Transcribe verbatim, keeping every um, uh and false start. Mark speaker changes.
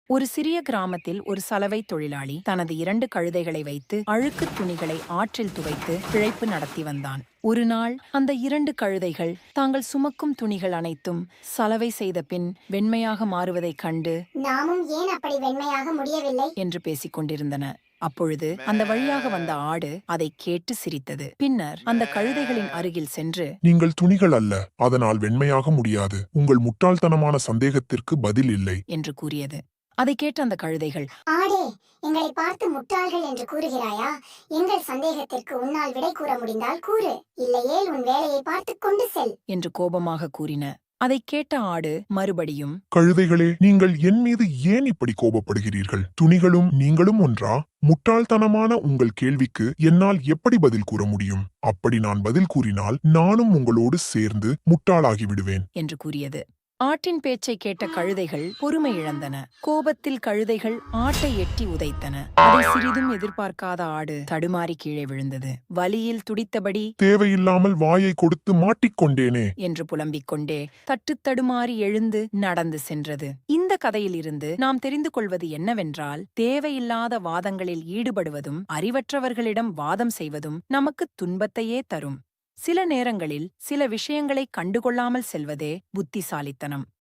Speaker 1: ஒரு சிறிய கிராமத்தில் ஒரு சலவை தொழிலாளி தனது இரண்டு கழுதைகளை வைத்து அழுக்கு துணிகளை ஆற்றில் துவைத்து பிழைப்பு நடத்தி வந்தான். ஒரு நாள் அந்த இரண்டு கழுதைகள் தாங்கள் சுமக்கும் துணிகள் அனைத்தும் சலவை செய்த பின் வெண்மையாக மாறுவதைக் கண்டு
Speaker 2: நாமும் ஏன் அப்படி வெண்மையாக முடியவில்லை
Speaker 1: என்று பேசிக் கொண்டிருந்தன. அப்பொழுது அந்த வழியாக வந்த ஆடு அதை கேட்டு சிரித்தது. பின்னர் அந்த கழுதைகளின் அருகில் சென்று,
Speaker 3: நீங்கள் துணிகள் அல்ல, அதனால் வெண்மையாக முடியாது. உங்கள் முட்டாள்தனமான சந்தேகத்திற்கு பதில் இல்லை
Speaker 1: என்று கூறியது. அதை கேட்ட அந்த கழுதைகள்,
Speaker 2: ஆடே, எங்களை பார்த்து முட்டாள்கள் என்று கூறுகிறாயா? எங்கள் சந்தேகத்திற்கு உன்னால் விடை கூற முடிந்தால் கூறு, இல்லையேல் உன் வேலையை பார்த்துக் கொண்டு செல்
Speaker 1: என்று கோபமாக கூறின. அதைக் கேட்ட ஆடு மறுபடியும்,
Speaker 3: கழுதைகளே, நீங்கள் என் மீது ஏன் இப்படி கோபப்படுகிறீர்கள்? துணிகளும் நீங்களும் ஒன்றா? முட்டாள்தனமான உங்கள் கேள்விக்கு என்னால் எப்படி பதில் கூற முடியும்? அப்படி நான் பதில் கூறினால் நானும் உங்களோடு சேர்ந்து முட்டாளாகி விடுவேன்
Speaker 1: என்று கூறியது. ஆட்டின் பேச்சை கேட்ட கழுதைகள் பொறுமை இழந்தன. கோபத்தில் கழுதைகள் ஆட்டை எட்டி உதைத்தன. அதை சிறிதும் எதிர்பார்க்காத ஆடு தடுமாறி கீழே விழுந்தது. வலியில் துடித்தபடி,
Speaker 3: தேவையில்லாமல் வாயை கொடுத்து மாட்டிக்கொண்டேனே
Speaker 1: என்று புலம்பிக் கொண்டே தட்டு தடுமாறி எழுந்து நடந்து சென்றது. இந்த கதையிலிருந்து நாம் தெரிந்து கொள்வது என்னவென்றால், தேவையில்லாத வாதங்களில் ஈடுபடுவதும் அறிவற்றவர்களிடம் வாதம் செய்வதும் நமக்கு துன்பத்தையே தரும். சில நேரங்களில் சில விஷயங்களை கண்டுகொள்ளாமல் செல்வதே புத்திசாலித்தனம்.